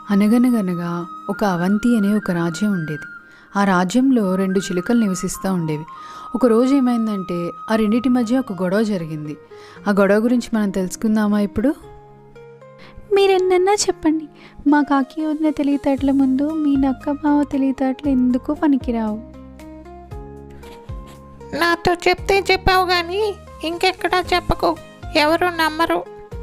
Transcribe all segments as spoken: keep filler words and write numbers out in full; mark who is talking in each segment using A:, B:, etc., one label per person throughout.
A: అనగనగనగా ఒక అవంతి అనే ఒక రాజ్యం ఉండేది. ఆ రాజ్యంలో రెండు చిలుకలు నివసిస్తూ ఉండేవి. ఒకరోజు ఏమైందంటే ఆ రెండింటి మధ్య ఒక గొడవ జరిగింది. ఆ గొడవ గురించి మనం తెలుసుకుందామా ఇప్పుడు?
B: మీరెన్నన్నా చెప్పండి, మా కాకి వదిన తెలివితేటల ముందు మీ నక్క బావ తెలివితేటలు ఎందుకు పనికిరావు.
C: నాతో చెప్తే చెప్పావు కానీ ఇంకెక్కడా చెప్పకు, ఎవరు నమ్మరు.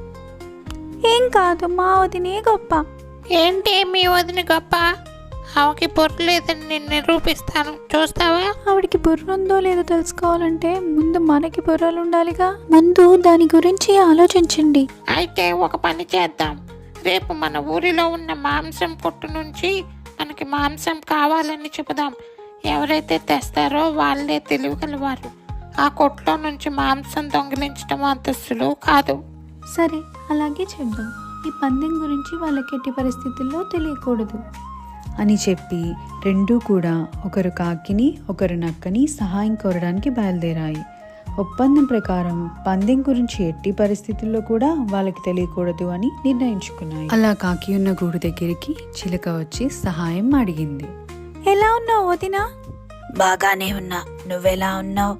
B: ఏం కాదు, మా వదినే గొప్ప.
C: ఏంటి మీ వదిన గొప్ప? ఆమెకి బుర్ర లేదని నేను నిరూపిస్తాను, చూస్తావా?
B: ఆవిడికి బుర్ర ఉందో లేదో తెలుసుకోవాలంటే ముందు మనకి బుర్రలు ఉండాలిగా. ముందు దాని గురించి ఆలోచించండి.
C: అయితే ఒక పని చేద్దాం, రేపు మన ఊరిలో ఉన్న మాంసం కొట్టు నుంచి మనకి మాంసం కావాలని చెబుదాం. ఎవరైతే తెస్తారో వాళ్ళే తెలియగలవారు. ఆ కొట్లో నుంచి మాంసం దొంగిలించడం అంత సులువు కాదు.
B: సరే, అలాగే చేద్దాం. ఈ పందెం గురించి వాళ్ళకి ఎట్టి పరిస్థితుల్లో తెలియకూడదు
A: అని చెప్పి రెండూ కూడా ఒకరు కాకిని ఒకరు నక్కని సహాయం కోరడానికి బయలుదేరాయి. ఒప్పందం ప్రకారం పందెం గురించి ఎట్టి పరిస్థితుల్లో కూడా వాళ్ళకి తెలియకూడదు అని నిర్ణయించుకున్నాయి. అలా కాకి ఉన్న గూడు దగ్గరికి చిలుక వచ్చి సహాయం అడిగింది.
B: ఎలా ఉన్నావు వదినా?
D: బాగానే ఉన్నా, నువ్వెలా ఉన్నావు?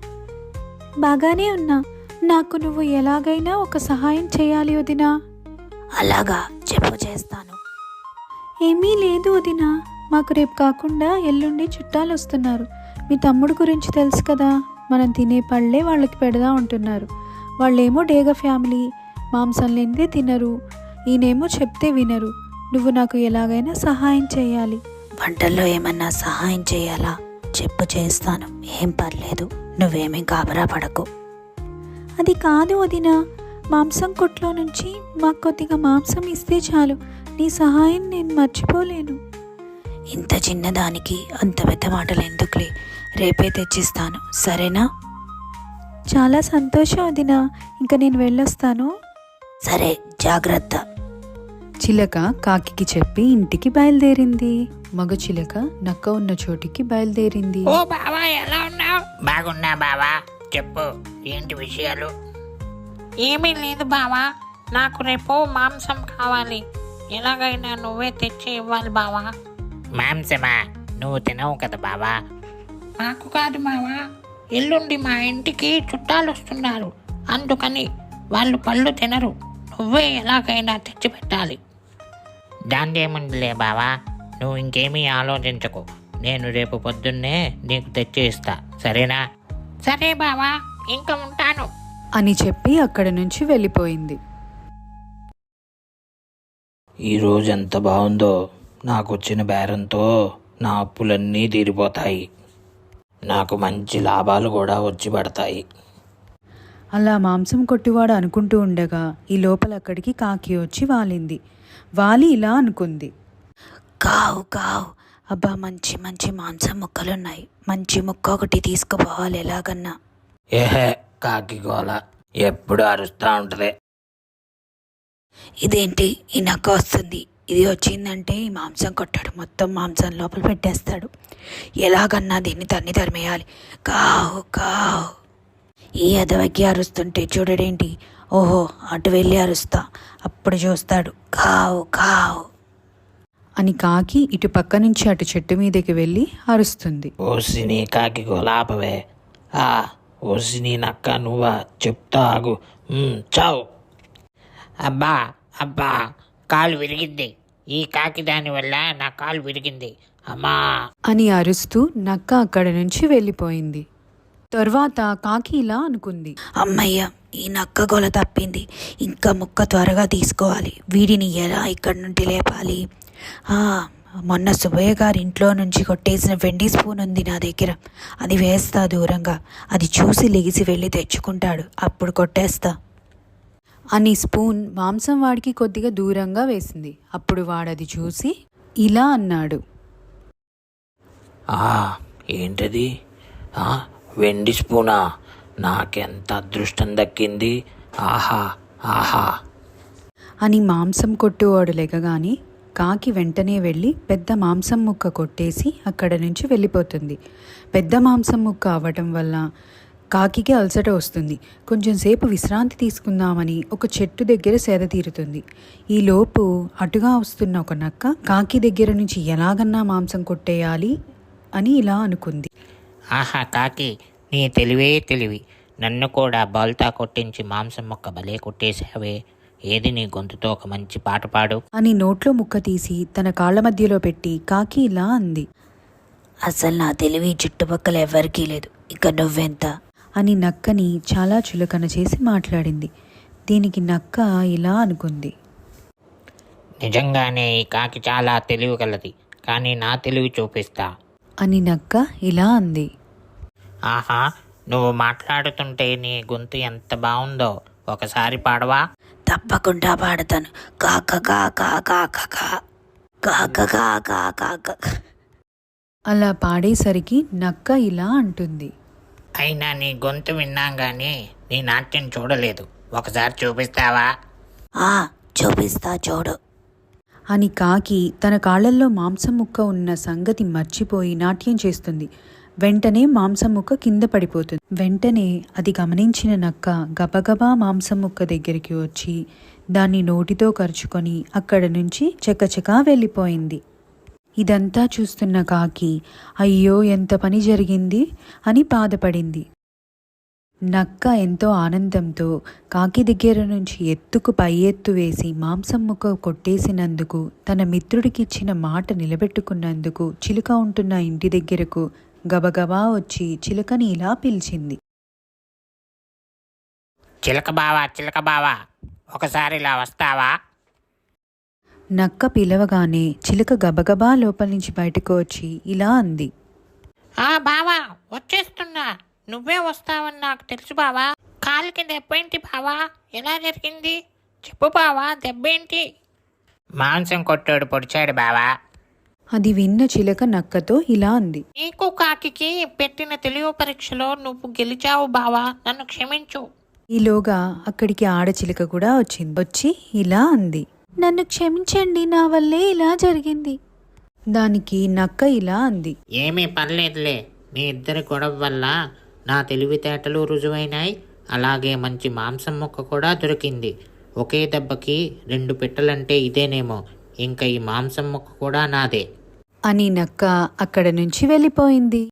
B: బాగానే ఉన్నా. నాకు నువ్వు ఎలాగైనా ఒక సహాయం చేయాలి వదినా.
D: అలాగా, చెప్పు, చేస్తాను.
B: ఏమీ లేదు వదినా, మాకు రేపు కాకుండా ఎల్లుండి చుట్టాలు వస్తున్నారు. మీ తమ్ముడు గురించి తెలుసు కదా, మనం తినే పళ్ళే వాళ్ళకి పెడదా ఉంటున్నారు. వాళ్ళేమో డేగ ఫ్యామిలీ, మాంసం లేనిదే తినరు. ఈయనేమో చెప్తే వినరు. నువ్వు నాకు ఎలాగైనా సహాయం చేయాలి.
D: వంటల్లో ఏమన్నా సహాయం చేయాలా? చెప్పు, చేస్తాను, ఏం పర్లేదు, నువ్వేమీ గాబరా పడకు.
B: అది కాదు వదినా, మాంసం కొట్లో నుంచి మాకు కొద్దిగా మాంసం ఇస్తే చాలు. నీ సహాయం నేను మర్చిపోలేను.
D: ఇంత చిన్నదానికి అంత పెద్ద మాటలు ఎందుకులే, రేపే తెచ్చిస్తాను, సరేనా?
B: చాలా సంతోషం వదినా, ఇంకా నేను వెళ్ళొస్తాను.
D: సరే, జాగ్రత్త.
A: చిలక కాకికి చెప్పి ఇంటికి బయలుదేరింది. మగ చిలక నక్క ఉన్న చోటికి బయలుదేరింది.
C: ఓ బావా, ఎలా ఉన్నావు? బాగున్నా బావా, చెప్పు, ఏంటి విషయాలు? ఏమీ లేదు బావా, నాకు రేపు మాంసం కావాలి. ఎలాగైనా నువ్వే తెచ్చి ఇవ్వాలి బావా. మాంసమా? నువ్వు తినవు కదా బావా. నాకు కాదు బావా, ఎల్లుండి మా ఇంటికి చుట్టాలు వస్తున్నారు, అందుకని వాళ్ళు పళ్ళు తినరు. నువ్వే ఎలాగైనా తెచ్చి పెట్టాలి. దాందేముందిలే బావా, నువ్వు ఇంకేమీ ఆలోచించకు. నేను రేపు పొద్దున్నే నీకు తెచ్చి ఇస్తా, సరేనా? సరే బావా, ఇంకా ఉంటాను
A: అని చెప్పి అక్కడి నుంచి వెళ్ళిపోయింది.
E: ఈరోజు ఎంత బాగుందో, నాకు వచ్చిన బేరంతో నా అప్పులన్నీ తీరిపోతాయి, నాకు మంచి లాభాలు కూడా వచ్చి పడతాయి.
A: అలా మాంసం కొట్టివాడు అనుకుంటూ ఉండగా ఈ లోపల అక్కడికి కాకి వచ్చి వాలింది. వాలి ఇలా అనుకుంది.
D: కావు కావు, అబ్బా, మంచి మంచి మాంసం ముక్కలున్నాయి, మంచి ముక్క ఒకటి తీసుకుపోవాలి ఎలాగన్నా.
E: ఏహే, కాకి గోల ఎప్పుడు అరుస్తూ ఉంటుంది.
D: ఇదేంటి, ఈ నక్క వస్తుంది. ఇది వచ్చిందంటే ఈ మాంసం కొట్టాడు మొత్తం మాంసం లోపల పెట్టేస్తాడు. ఎలాగన్నా దీన్ని తన్ని తరిమేయాలి. కావు కావు. ఈ ఎదవకి అరుస్తుంటే చూడడేంటి, ఓహో అటు వెళ్ళి అరుస్తా, అప్పుడు చూస్తాడు. కావు కావు
A: అని కాకి ఇటు పక్క నుంచి అటు చెట్టు మీదకి వెళ్ళి అరుస్తుంది.
E: ఓసిని కాకి గోలాపవే. ఆ ఓసిని నక్క నువ్వా, చెప్తా ఆగు. ఉమ్, చావు.
C: అబ్బా అబ్బా, కాలు విరిగింది. ఈ కాకి దాని వల్ల నా కాలు విరిగింది, అమ్మా
A: అని అరుస్తూ నక్క అక్కడి నుంచి వెళ్ళిపోయింది. తర్వాత కాకి ఇలా అనుకుంది.
D: అమ్మయ్య, ఈ నక్క గోల తప్పింది. ఇంకా ముక్క త్వరగా తీసుకోవాలి. వీడిని ఎలా ఇక్కడి నుండి లేపాలి? మొన్న సుబ్బయ్య గారి ఇంట్లో నుంచి కొట్టేసిన వెండి స్పూన్ ఉంది నా దగ్గర, అది వేస్తా దూరంగా. అది చూసి లెగిసి వెళ్ళి తెచ్చుకుంటాడు, అప్పుడు కొట్టేస్తా
A: అని స్పూన్ మాంసం వాడికి కొద్దిగా దూరంగా వేసింది. అప్పుడు వాడది చూసి ఇలా అన్నాడు.
E: ఆ ఏంటది? ఆ వెండి స్పూనా? నాకెంత అదృష్టం దక్కింది. ఆహా ఆహా
A: అని మాంసం కొట్టువాడు లెగగానే కాకి వెంటనే వెళ్ళి పెద్ద మాంసం ముక్క కొట్టేసి అక్కడ నుంచి వెళ్ళిపోతుంది. పెద్ద మాంసం ముక్క అవ్వటం వల్ల కాకికి అలసట వస్తుంది. కొంచెం సేపు విశ్రాంతి తీసుకుందామని ఒక చెట్టు దగ్గర సేద తీరుతుంది. ఈలోపు అటుగా వస్తున్న ఒక నక్క కాకి దగ్గర నుంచి ఎలాగన్నా మాంసం కొట్టేయాలి అని ఇలా అనుకుంది.
C: ఆహా కాకి, నీ తెలివే తెలివి. నన్ను కూడా బాల్తా కొట్టించి మాంసం మొక్క భలే కొట్టేశావే. ఏది నీ గొంతుతో ఒక మంచి పాట పాడు
A: అని నోట్లో ముక్క తీసి తన కాళ్ళ మధ్యలో పెట్టి కాకి ఇలా అంది.
D: అసలు నా తెలివి చుట్టుపక్కల ఎవరికీ లేదు, ఇక నువ్వెంత.
A: అని నక్కని చాలా చులకన చేసి మాట్లాడింది. దీనికి నక్క ఇలా అనుకుంది.
C: నిజంగానే ఈ కాకి చాలా తెలివి గలది, కానీ నా తెలివి చూపిస్తా.
A: అని నక్క ఇలా అంది.
C: ఆహా, నువ్వు మాట్లాడుతుంటే నీ గొంతు ఎంత బాగుందో, ఒకసారి పాడవా?
D: తప్పకుండా పాడతాను. కాక కాక కాక కాక కాక కాక.
A: అలా పాడేసరికి నక్క ఇలా అంటుంది.
C: అయినా నీ గొంతు విన్నాం కానీ నీ నాట్యం చూడలేదు, ఒకసారి చూపిస్తావా?
D: ఆ చూపిస్తా చూడు.
A: అని కాకి తన కాళ్ళల్లో మాంసం ముక్క ఉన్న సంగతి మర్చిపోయి నాట్యం చేస్తుంది. వెంటనే మాంసం ముక్క కింద పడిపోతుంది. వెంటనే అది గమనించిన నక్క గబగబా మాంసం ముక్క దగ్గరికి వచ్చి దాన్ని నోటితో కరుచుకొని అక్కడ నుంచి చకచకా వెళ్ళిపోయింది. ఇదంతా చూస్తున్న కాకి అయ్యో ఎంత పని జరిగింది అని బాధపడింది. నక్క ఎంతో ఆనందంతో కాకి దగ్గర నుంచి ఎత్తుకు పై ఎత్తు వేసి మాంసం ముక్క కొట్టేసినందుకు, తన మిత్రుడికిచ్చిన మాట నిలబెట్టుకున్నందుకు చిలుక ఉంటున్న ఇంటి దగ్గరకు గబగబా వచ్చి చిలుకని ఇలా పిలిచింది.
C: చిలక బావా, చిలక బావా, ఒకసారి ఇలా వస్తావా?
A: నక్క పిలవగానే చిలుక గబగబా లోపల నుంచి బయటకు వచ్చి ఇలా అంది.
C: ఆ బావా, వచ్చేస్తున్నా. నువ్వే వస్తావని నాకు తెలుసు బావా. కాలికి దెబ్బేంటి బావా? ఎలా జరిగింది చెప్పు బావా, దెబ్బేంటి? మాంసం కొట్టాడు పొడిచాడు బావా.
A: అది విన్న చిలుక నక్కతో ఇలా అంది.
C: నీకు కాకికి పెట్టిన తెలివి పరీక్షలో నువ్వు గెలిచావు బావా, నన్ను క్షమించు.
A: ఈలోగా అక్కడికి ఆడచిలుక కూడా వచ్చింది. వచ్చి ఇలా అంది.
B: నన్ను క్షమించండి, నా వల్లే ఇలా జరిగింది.
A: దానికి నక్క ఇలా అంది.
C: ఏమీ పర్లేదులే, మీ ఇద్దరి గొడవ వల్ల నా తెలివితేటలు రుజువైనాయి, అలాగే మంచి మాంసం ముక్క కూడా దొరికింది. ఒకే దెబ్బకి రెండు పిట్టలంటే ఇదేనేమో, ఇంకా ఈ మాంసం ముక్క కూడా నాదే
A: అని నక్క అక్కడ నుంచి వెళ్ళిపోయింది.